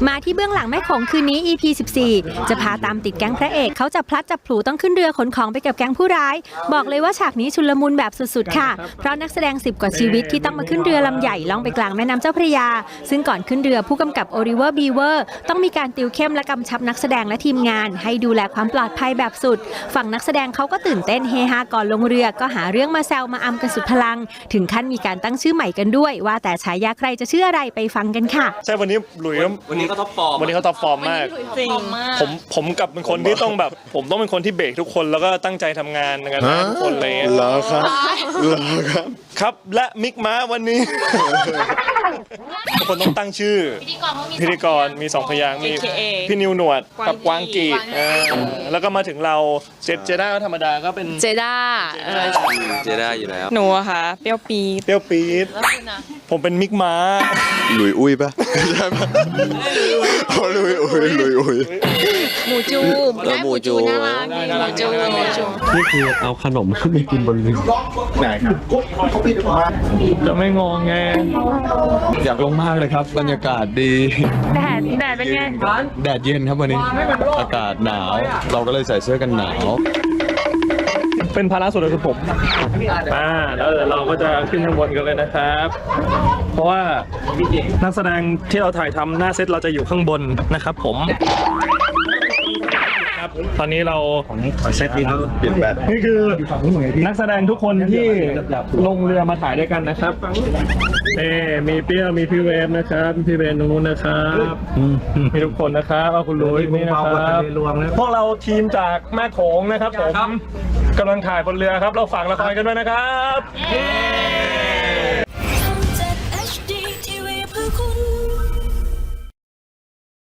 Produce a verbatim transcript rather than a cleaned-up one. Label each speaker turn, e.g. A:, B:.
A: มาที่เบื้องหลังแม่โขงคืนนี้ อี พี สิบสี่ จะพาตามติดแก๊งพระเอกเขาจะพลัดจับผลูต้องขึ้นเรือขนของไปกับแก๊งผู้ร้ายบอกเลยว่าฉากนี้ชุลมุนแบบสุดๆค่ะเพราะนักแสดงสิบกว่าชีวิตที่ต้องมาขึ้นเรือลำใหญ่ล่องไปกลางแม่น้ำเจ้าพระยาซึ่งก่อนขึ้นเรือผู้กำกับโอลิเวอร์บีเวอร์ต้องมีการติวเข้มและกำชับนักแสดงและทีมงานให้ดูแลความปลอดภัยแบบสุดฝั่งนักแสดงเขาก็ตื่นเต้นเฮฮาก่อนลงเรือก็หาเรื่องมาแซวมาอำกันสุดพลังถึงขั้นมีการตั้งชื่อใหม่กันด้วยว่าแต่ฉายาใครจะชื่ออะไรไปฟังกันค่ะ
B: ใช่วันนี้หลุย
C: วันนี้ก็ท็อปฟอร์ม
B: วันนี้เขาท็อปฟอร์มมาก
D: จริง
B: ผมผมกับเป็นคนที่ต้องแบบผมต้องเป็นคนที่เบรกทุกคนแล้วก็ตั้งใจทำงานกันทุกคนเลย
E: เหรอครับเหรอครับ
B: ครับและมิกม้าวันนี้ทุกคนต้องตั้งชื่อพิธีกรมีสองพยางค์มีพี่นิวหนวดกับกวางกีแล้วก็มาถึงเราเจเจด้าธรรมดาก็เป็น
D: เจด้า
C: เจด้าอยู่แล้ว
D: หนูอะค่ะเปรี้ยวปี๊ด
B: เปรี้ยวปี๊ดผมเป็นมิกม้า
E: หลุยอุ้ยปะใช่ปะโอ้หลุยอุ้ยหลุยอุ้ย
D: หมูจูได้หมูจูน่ารักหมูจูหมูจู
F: นี่คือเอาขนมขึ้นไปกินบนเรือ
E: ไหนครับ
B: จะไม่งงไง
F: อยากลงมากเลยครับบรรยากาศดี
D: แดดแดดเป็นไง
F: แดดเย็นครับวันนี้อากาศหนาวเราก็เลยใส่เสื้อกันหนาว
B: เป็นภาระส่วนตัวคือผมอ่าแล้วเดี๋ยวเราก็จะขึ้นข้างบนกันเลยนะครับเพราะว่านักแสดงที่เราถ่ายทำหน้าเซตเราจะอยู่ข้างบนนะครับผมตอนนี้เราของเซตนี้เปลี่ยนแบบนี่คือนักแสดงทุกคนที่ลงเรือมาถ่ายด้วยกันนะครับเอมีเปี้ยวมีพี่เวฟนะครับพี่เบนตรงนู้นนะครับมีทุกคนนะครับเอาคุณลุยนี่นะครับพวกเราทีมจากแม่โขงนะครับผมกำลังถ่ายบนเรือครับเราฝากละครกันด้วยนะครับ